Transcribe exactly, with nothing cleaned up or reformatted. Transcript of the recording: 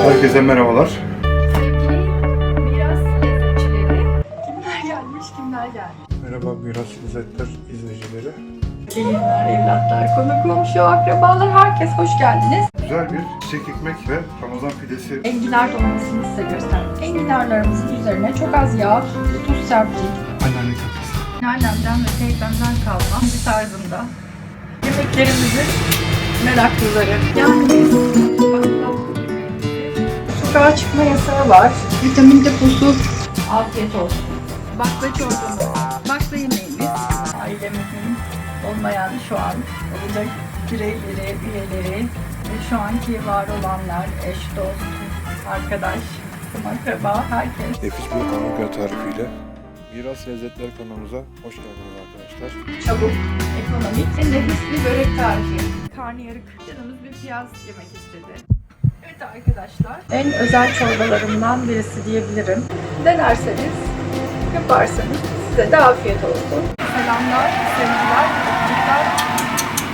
Herkese merhabalar. Biraz lezzetçileri. Kimler gelmiş, kimler gelmiş? Merhaba Miras Lezzetler izleyicileri. Gelinler, evlatlar, konu komşu, akrabalar, herkes hoş geldiniz. Güzel bir çiçek ekmek ve Ramazan pidesi. Enginar dolmasını size gösterdim. Enginarlarımızın üzerine çok az yağ, tuz serptik. Anneanne köftesi. Annemden ve teyzemden kalma bir tarzında. Yemeklerimizin meraklıları. Yani biz sokağa çıkma yasağı var. Vitamin deposu. Afiyet olsun. Bakla çorbamız, bakla yemeğimiz. Ailemizin olmayan şu an olacak bireyleri, üyeleri ve şu anki var olanlar, eş, dost, arkadaş, tüm akraba, herkes. Nefis bir hamburger tarifiyle Miras Lezzetler kanalımıza hoş geldiniz arkadaşlar. Çabuk, ekonomik ve nefis bir börek tarifi. Karnıyarık, canımız bir piyaz yemek istedi. Evet arkadaşlar, en özel çorbalarımdan birisi diyebilirim. Denerseniz, yaparsanız size de afiyet olsun. Selamlar, sevgiler, öpücükler.